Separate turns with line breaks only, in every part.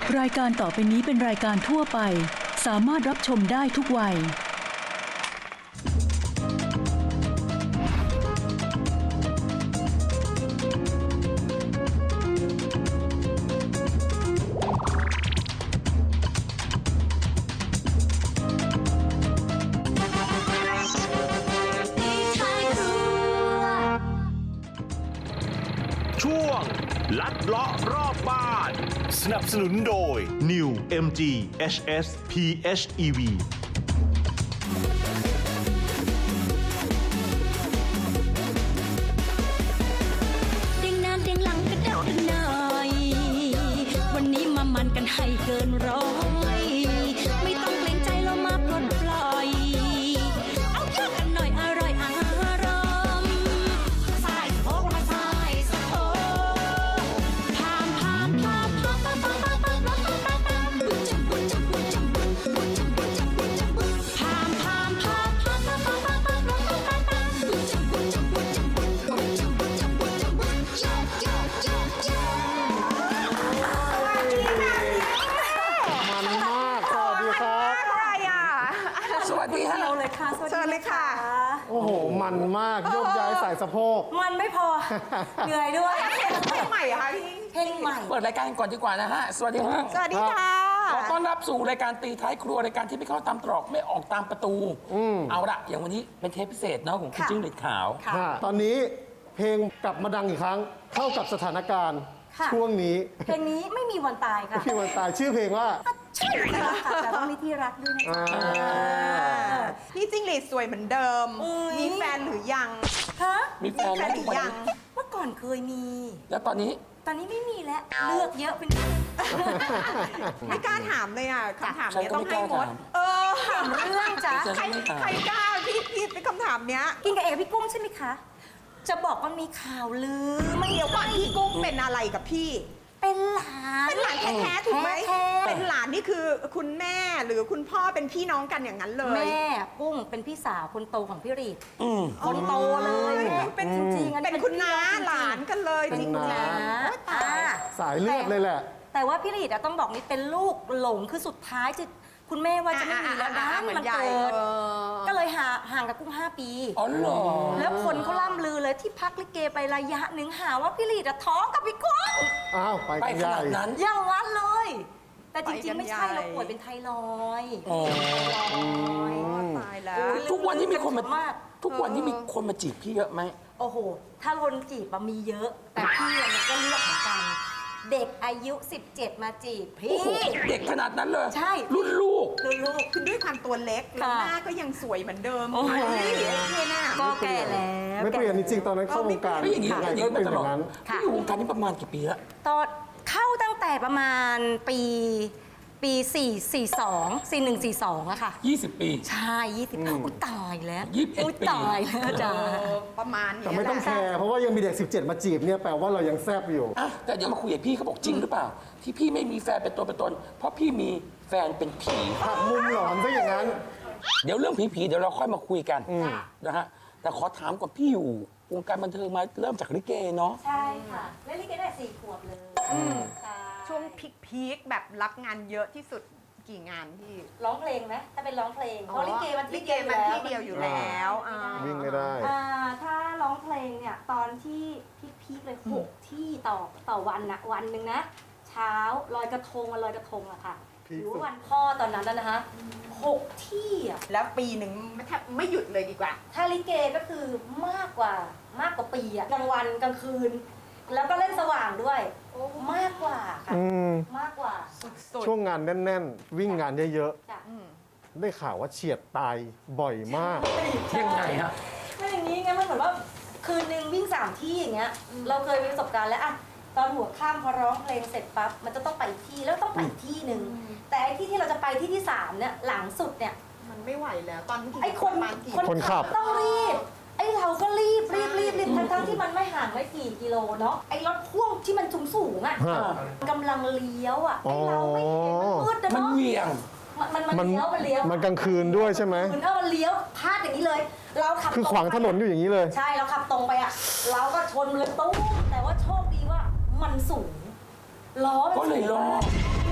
รายการต่อไปนี้เป็นรายการทั่วไปสามารถรับชมได้ทุกวัย
ช่วงลัดเลาะรอบบ้านสนับสนุนโดย New MG HS PHEV
เด้งหน้าเด้งหลังกระเดากันหน่อยวันนี้มามันกันให้เกินร้อยไม่ต้องเกรงใจเรามาปลดปล่อยเอาเยอะกันหน่อยอร่อยอารมณ์สายโคกมาสายสะโพกพามพามพามพามพามพามพามพามพามพามพามบุญจับบุญจับบุญจับบุญบุญจับบุญจับบุญจับบุญพามพามพามพามพามพามพามพามพามพามพามบุญจับบุญจับบุญจับบุญบุญจับบุญจับบุญจับบุญจับจับจับจับ
มันมากสวัสดีครับ
อะไรอ่ะ
สวัสดีฮะ
เราเลยค่ะสวัส
เชิญ
ดี
เลยค่ะ
โอ้โห มันมากโยกย้ายสายสะโพก
มันไม่พอ เหนื่อยด้วย
เพลงใหม่เหรอคะพี่
เพลงใหม่
เปิดรายการกันก่อนดีกว่านะฮะ สวัสดีฮะ
สวัสดีค่ะ
ขอต้อนรับสู่รายการตีท้ายครัวรายการที่ไม่เข้าตามตรอกไม่ออกตามประตู เอาละอย่างวันนี้เป็นเทปพิเศษเนาะของคุณ
ค่ะ
จิ้งหรีดขาว
ตอนนี้เพลงกลับมาดังอีกครั้ง เข้ากับสถานการณ์
ค่ะ
ช่วงนี้
เพลงนี้ไม่มีวันตายค่ะ
ที่วันตายชื่อเพลงว่า
ใช่ค่ะแต่ต้องมีที่รักด้วยนะคะ
พี่จิ้งหรีดสวยเหมือนเดิม
อุ๊ย
มีแฟนหรือยัง
ฮะ
มีแฟน
แฟ
แล้ว
นห
ทุ
รื
กวัน
อยัง
นี้
เมื่อก่อนเคยมี
แล้วตอนนี้
ตอนนี้ไม่มีแล้ว เลือกเยอะเป็น
ไม่กล้าถามเลยอ่ะคำถาม
ใคร
เนี้ย
ก็
ต้อง
ไม่ก
ให้
ล้าม
ด
ถาม
ถาม
เรื่องจ้ะ
ใครใครกล้าพี่เป็นคำถามเนี้ย
กินกับเอกกับพี่กุ้งใช่ไหมคะ จะบอกว่ามีข่าวลือไม่
เดี๋ยวก่อนพี่กุ้งเป็นอะไรกับพี่
เป็นหลาน
เป็นหลานแท้ๆถูกไหม
แท้ๆ
เป็นหลานนี่คือคุณแม่หรือคุณพ่อเป็นพี่น้องกันอย่างนั้นเลย
แม่กุ้งเป็นพี่สาวคนโตของพี่รีด
อืม
คนโตเลย
เป็น
จริงๆอันนี้
เป็นคุณน้า
พี่องจริงๆ
หลานกันเลย
เป็น
จริง
น้า
ๆโอ๊ยตาย
สายเลือดเลยแหละ
แต่ว่าพี่รีดอะต้องบอกนี่เป็นลูกหลงคือสุดท้ายจะคุณแม่ว่าจะไม่มีแล้วนะ
เหมือน
มัน
ใหญ่
เกิด
เออ
ก็เลยห่างกับกุ้ง5 ปี
อ๋อเหรอ
แล้วคนเขาล่ำลือเลยที่พักลิเกไประยะหนึ่งหาว่าพี่รีดอะท้องกับพี่กุ้ง
อ้าว ไป
ไป
กัน
ข
ใหญ่
นาดนั้น
อย่างนั้นเลย แต่จริงๆ ไม่ใช่
ไปกันใหญ่
เราป่วยเป็นไทรอยด์
อ๋อ
ตายแล้ว
ทุกวันนี้มีคนมา
มาก
ทุกวันนี้มีคนมาจีบพี่เยอะไหม
โอ้โห ถ้าคนจีบอะมีเยอะ แต่พี่อะมันก็เลือกเหมือนกัน เด็กอายุ 17 มาจีบพี่
โอ้โห เด็กขนาดนั้นเลย
ใช่
รุ่นลูก
คือลูก
คือด้วยความตัวเล็กแล้ว
ค่ะ
หน้าก็ยังสวยเหมือนเดิม
โอ้โห
เนี่ยน่ะ
ก็แก่แล้ว
ไม่เปลี่ยนจริงๆ ตอนนั้นเข้าวงการ
ไม่อย่างนี้
ยังไง
อย่าง
ก็
นี้
เป็น
มาต
อ
ลอด
ย่างนั้น
พี่อยู่วงการนี้ประมาณกี่ปีแล้ว
ตอนเข้าตั้งแต่ประมาณปี4142อะค่ะ
20 ปี
ใช่20อุ้ยตายแล้ว
21
อุ๊ย
ปี
ตายแล้วจ้า
ประมาณเนี้ย
แต่ไม่ต้อง
แห
แค
ละ
ร์เพราะว่ายังมีเด็ก 17 มาจีบเนี่ยแปลว่าเรายังแซบอยู่
อ่ะแต่เดี๋ยวมาคุยกับพี่เขาบอกจริงหรือเปล่า ที่พี่ไม่มีแฟนเป็นตัวเป็นตน เพราะพี่มีแฟนเป็นผี
หักมุมหลอนซะอย่างนั้น
เดี๋ยวเรื่องผีๆเดี๋ยวเราค่อยมาคุยกันนะฮะแต่ขอถามก่อนพี่อยู่วงการบันเทิงมาเริ่มจากลิเกเนาะ
ใช่ค่ะเล่นลิเกได้4 ขวบเลยค่ะ
ช่วงพีคๆแบบรับงานเยอะที่สุดกี่งานพี่
ร้องเพลงไหมถ้าเป็นร้องเพลงเพราะลิเกมัน
ลิเกมันที่เดียวอยู่แล้วอ่า
วิ่งไม่ได้
ถ้าร้องเพลงเนี่ยตอนที่พีคๆเลย6 ที่ต่อวันนะวันหนึ่งนะ เช้าลอยกระทงวันลอยกระทงอะค่ะ
พีค
หรือ
สุด
ว่าวันพ่อตอนนั้นแล้วนะคะ6 ที่อะ
แล้วปีหนึ่งแทบไม่หยุดเลยดีกว่า
ถ้าลิเกก็คือมากกว่าปีอะกลางวันกลางคืน แล้วก็เล่นสว่างด้วยมากกว่าค่ะ
อืม
มากกว่า
ช่วงงานแน่นๆ วิ่งงานเยอะ
จ้ะ
ๆ ได้ข่าวว่าเฉียดตายบ่อยมาก
ยังไงฮะ
ไม่อย่างนี้ไงมันเหมือนว่าคืนนึงวิ่ง3 ที่อย่างเงี้ยเราเคยมีประสบการณ์แล้วอะตอนหัวค่ำพอร้องเพลงเสร็จปั๊บมันจะต้องไปอีกที่แล้วต้องไปอีกที่หนึ่งแต่ไอ้ที่เราจะไปที่3เนี่ยหลังสุดเนี่ย
มันไม่ไหวแล้วตอนที่
ไอ้คน
ประมาณกี่
คนขับ
ต้องรีบไอ้เราก็รีบทั้งที่มันไม่ห่างไม่กี่กิโลเนาะไอ้รถพ่วงที่มันสูงๆอะ
ฮะ
กำลังเลี้ยวอะไอ้เราไม่เห็นมันมืดนะ
มัน
เนาะ
เหวี่ยง
มันเลี้ยวมันเลี้ยว
มันกลางคืนด้วยใช่ไหม
เหมือนมันเลี้ยวพลาดอย่างนี้เลย เราขับ
คือขวางถนนอยู่อย่างนี้เลย
ใช่เราขับตรงไปอะเราก็ชนเลยตู้มแต่ว่าโชคดีว่ามันสูงล้อมัน
ก็เลยรอด
มัน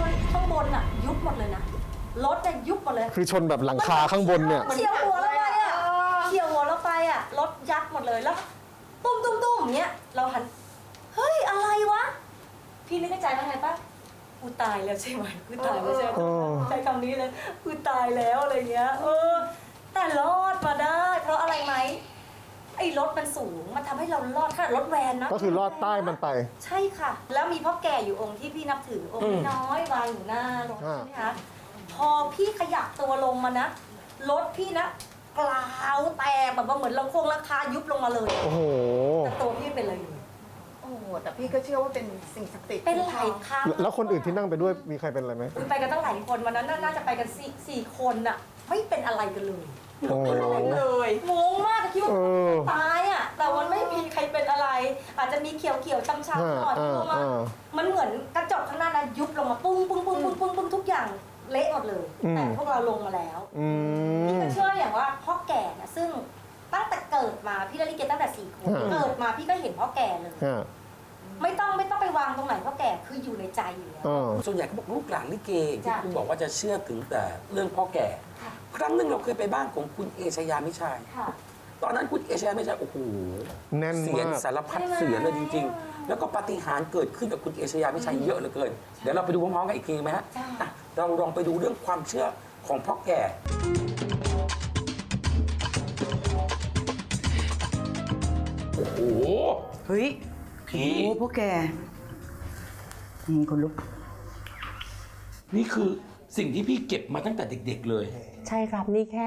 างบนอ่ะยุบหมดเลยนะรถเนี่ยยุบหมดเลย
คือชนแบบหลังคาข้างบนเนี่ย
เฉียวหัวเราไปอ่ะเฉียวหัวเราไปอ่ะรถยับหมดเลยแล้วตุ้มตุ้มตุ้มอย่างเงี้ยเราหันเฮ้ยอะไรวะพี่นึกในใจว่าไงปะกูตายแล้วใช่ไหมกูตายแล้วใช่ไหมใช้คำนี้เลยกูตายแล้วอะไรเงี้ยแต่รอดมาได้เพราะอะไรไหมไอ้รถมันสูงมันทำให้เรารอดขนาดรถแวนนะ
ก็คือลอดใต้มันไป
ใช่ค่ะ แล้วมีพ่อแก่อยู่องค์ที่พี่นับถือองค์น้อยวางอยู่หน้ารถใช่ไหมคะพอพี่ขยับตัวลงมานะรถพี่นะกลาวแตกแบบว่าเหมือนราคายุบลงมาเลย
โอ้โห
แต่ตัวพี่เป็นอะไรอยู่
โอ้โหแต่พี่ก็เชื่อว่าเป็นสิ่งศักดิ์สิทธิ์
เป็นหลายครั้ง
แล้วคนอื่นที่นั่งไปด้วยมีใครเป็นอะไรไหม
ไปกันตั้งหลายคนวันนั้นน่าจะไปกันสี่คนน่ะไม่เป็นอะไรกันเลย
โอ้โห
เลย
งงมากคิดว่า
เออ
ตายอ่ะแต่มันไม่มีใครเป็นอะไร อาจจะมีเขียวๆช้ำๆหน่อยเพราะว่ามันเหมือนกระจกข้างหน้านะยุบลงมาปุ้งปุ้งปุ้งปุ้งปุ้งปุ้งทุกอย่างเละหมดเลย แต่พวกเราลงมาแล้ว พี่ก็เชื่ออย่างว่าพ่อแก่นะซึ่งตั้งแต่เกิดมาพี่เล่นลิเกตั้งแต่4 ขวบเกิดมาพี่ก็เห็นพ่อแก่เลย ไม่ต้องไปวางตรงไหนพ่อแก่คืออยู่ในใจอยู่แล้ว
ส่วนใหญ่เขาบอกลูกหลานลิเกที่
จ้ะ
คุณบอกว่าจะเชื่อถึงแต่เรื่องพ่อแก่
ค่ะ
ครั้งหนึ่งเราเคยไปบ้านของคุณเอชยามิชัย
ค่ะ
ตอนนั้นคุณเอชยามิชัยโอ้โห
แน่น
เสียง
มาก
สารพัดเสียงเลยจริง ๆ แล้วก็ปาฏิหาริย์เกิดขึ้นกับคุณเอชยามิชัยเยอะเหลือเกิน เดี๋ยวเราไปดูพร้อมๆกันอีกทีไหมฮะ
จ้ะ
อ่ะเราลองไปดูเรื่องความเชื่อของพ่อแก่โอ้โห
เฮ้ย
พี่
โอ้พวกแกคนลุก
นี่คือสิ่งที่พี่เก็บมาตั้งแต่เด็ก ๆ เลย
ใช่ครับ นี่แค่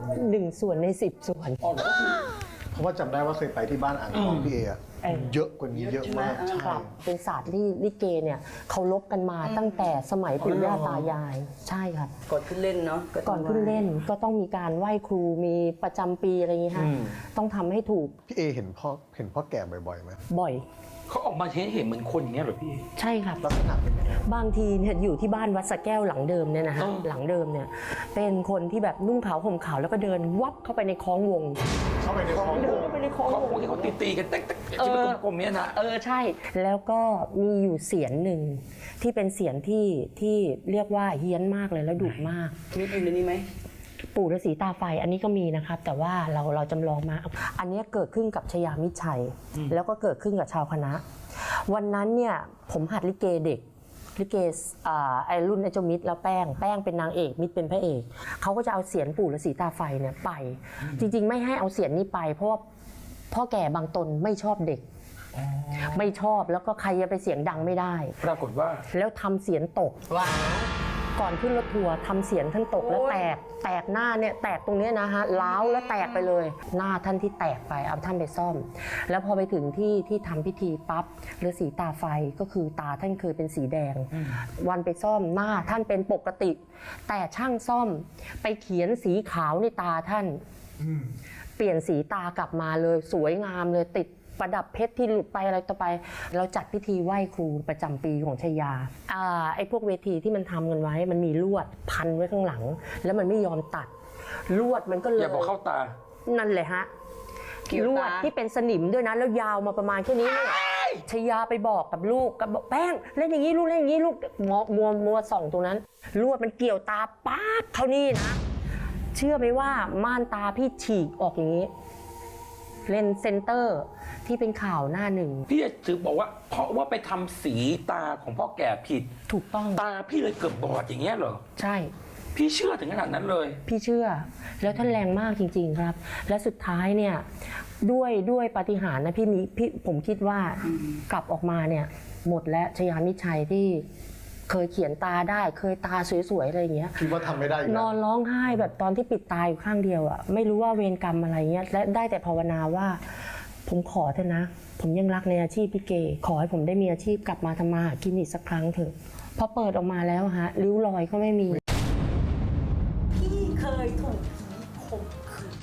1 ส่วนใน 10 ส่วน
อ๋อแล้วก็คือ
เพราะว่าจำได้ว่าเคยไปที่บ้านอ่างทองพี่เออะเยอะกว่านี้เยอะมากใช่
ครับเป็นศาสตร์ที่ลิเกเนี่ยเขาลบกันมาตั้งแต่สมัยปู่ย่าตายาย ใช่ครับ
ก่อนขึ้นเล่นเนาะ
ก่อนขึ้นเล่นก็ต้องมีการไหว้ครูมีประจำปีอะไรอย่างงี้ฮะต้องทำให้ถูก
พี่เอเห็นพ่อแก่บ่อยๆไหม
บ่อย
เขาออกมาเห็นเหมือนคนอย่างเงี้ยเหรอพี่
ใช่ครับ
ลักษณะเป็นยังไง
บางทีเนี่ยอยู่ที่บ้านวัดสะแก้วหลังเดิมเนี่ยนะฮะ
อ๋อ
หลังเดิมเนี่ยเป็นคนที่แบบนุ่งขาวห่มขาวแล้วก็เดินวับเข้าไปในคล้องวง
เข้าไปในคลอง
เดินเข้าไปในคล้อง
เขา
วง
ที่เขาตีกันเต๊กๆที่เป็นกลมๆเนี่ยนะ
ใช่ แล้วก็มีอยู่เสียงหนึ่งที่เป็นเสียงที่เรียกว่าเฮี้ยนมากเลยแล้วดุมาก
มีอยู่ในนี้ไหม
ปู่ฤาษีตาไฟอันนี้ก็มีนะครับ แต่ว่าเราจำลองมา อันนี้เกิดขึ้นกับชยามิตรชัย แล้วก็เกิดขึ้นกับชาวคณะ วันนั้นเนี่ยผมหัดลิเกเด็กลิเกไอรุ่นไอเจ้ามิตรแล้วแป้งเป็นนางเอกมิตรเป็นพระเอกเขาก็จะเอาเสียงปู่ฤาษีตาไฟเนี่ยไป จริงๆไม่ให้เอาเสียงนี้ไป เพราะว่าพ่อแก่บางตนไม่ชอบเด็ก ไม่ชอบแล้วก็ใครจะไปเสียงดังไม่ได้
ปรากฏว่า
แล้วทำเสียงตกก่อนขึ้นรถทัวร์ทำเสียงท่านตกแล้วแตกหน้าเนี่ยแตกตรงเนี้ยนะฮะล้าวแล้วแตกไปเลย หน้าท่านที่แตกไปเอาท่านไปซ่อม แล้วพอไปถึงที่ทำพิธีปั๊บฤาษีตาไฟก็คือตาท่านเคยเป็นสีแดง วันไปซ่อมหน้าท่านเป็นปกติ แต่ช่างซ่อมไปเขียนสีขาวในตาท่านเปลี่ยนสีตากลับมาเลยสวยงามเลยติดประดับเพชรที่หลุดไปอะไรต่อไป เราจัดพิธีไหว้ครูประจำปีของชยาไอ้พวกเวทีที่มันทำกันไว้มันมีลวดพันไว้ข้างหลัง แล้วมันไม่ยอมตัดลวดมันก็เลย
อย่าบอกเข้าตา
นั่นเลยฮะลวดที่เป็นสนิมด้วยนะแล้วยาวมาประมาณแค่นี้เนี่ยชยาไปบอกกับลูกกับบอกแป้งเล่นอย่างนี้ลูกเล่นอย่างนี้ลูกมัวส่องตรงนั้นลวดมันเกี่ยวตาป๊าบเท่านี้นะเชื่อไหมว่าม่านตาพี่ฉีกออกอย่างนี้เลนส์เซนเตอร์ที่เป็นข่าวหน้าหนึ่ง
พี่จะถือบอกว่าเพราะว่าไปทำสีตาของพ่อแก่ผิด
ถูกต้อง
ตาพี่เลยเกือบบอดอย่างเงี้ยเหรอ
ใช่
พี่เชื่อถึงขนาดนั้นเลย
พี่เชื่อแล้วท่านแรงมากจริง ๆครับ และสุดท้ายเนี่ยด้วยปาฏิหาริย์นะพี่ผมคิดว่ากลับออกมาเนี่ยหมดแล้วชยามิตรชัยที่เคยเขียนตาได้เคยตาสวยๆอะไรอย่างเงี้ย
คิดว่าทำไม่ได้อยู่
น
แล้ว
อนร้องไห้แบบตอนที่ปิดตาอยู่ข้างเดียวอ่ะไม่รู้ว่าเวรกรรมอะไรเงี้ยและได้แต่ภาวนาว่าผมขอเถอะนะ ผมยังรักในอาชีพพี่เกขอให้ผมได้มีอาชีพกลับมาทำมาหากินอีกสักครั้งเถอะพอเปิดออกมาแล้วฮะริ้วรอยก็ไม่มี
พี่เคยถูกผีข่มขืน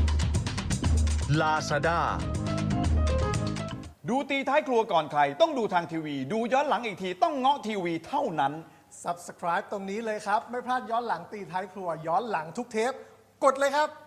Lazada
ดูตีท้ายครัวก่อนใครต้องดูทางทีวี ดูย้อนหลังอีกทีต้องเงาะทีวีเท่านั้น
Subscribe ตรงนี้เลยครับ ไม่พลาดย้อนหลังตีท้ายครัวย้อนหลังทุกเทป กดเลยครับ